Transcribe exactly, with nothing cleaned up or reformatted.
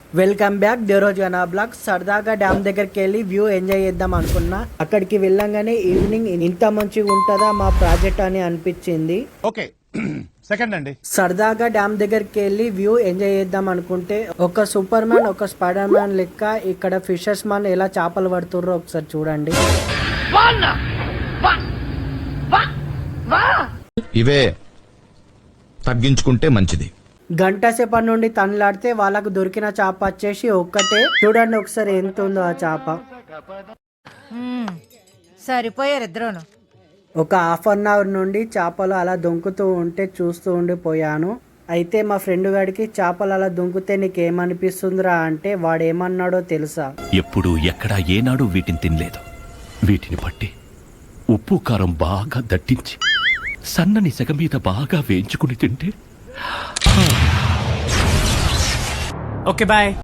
Welcome back దేరోజన blog. సరదాగా dam దగ్గరికి వెళ్ళి వ్యూ ఎంజాయ్ చేద్దాం అనుకున్నా. అక్కడికి వెళ్ళంగానే ఈవినింగ్ ఇంత మంచిగా ఉంటుందా మా ప్రాజెక్ట్ అని అనిపించింది. ఓకే సెకండ్ అండి. సరదాగా డ్యామ్ దగ్గరికి వెళ్ళి వ్యూ ఎంజాయ్ చేద్దాం అనుకుంటే ఒక సూపర్ మ్యాన్ ఒక స్పైడర్ మ్యాన్ లెక్క ఇక్కడ ఫిషర్స్ మ్యాన్ ఎలా చేపలు పడుతుర్రో ఒకసారి చూడండి. ఇవే తగ్గించుకుంటే మంచిది. గంట సేపటి నుండి తనలాడితే వాళ్ళకు దొరికిన చేప వచ్చేసి ఒక్కటే. చూడండి ఒకసారి ఎంత ఉందో ఆ చేప. సరిపోయారు ఇద్దరును. ఒక హాఫ్ అన్ అవర్ నుండి చేపలు అలా దొంకుతూ ఉంటే చూస్తూ ఉండిపోయాను. అయితే మా ఫ్రెండ్ గాడికి చేపలు అలా దొంకుతే నీకేమనిపిస్తుందిరా అంటే వాడేమన్నాడో తెలుసా? ఎప్పుడు ఎక్కడా ఏనాడు వీటిని తినలేదు. వీటిని పట్టి ఉప్పు కారం బాగా దట్టించి సన్నని సెగ మీద బాగా వేయించుకుని తింటే. Okay bye.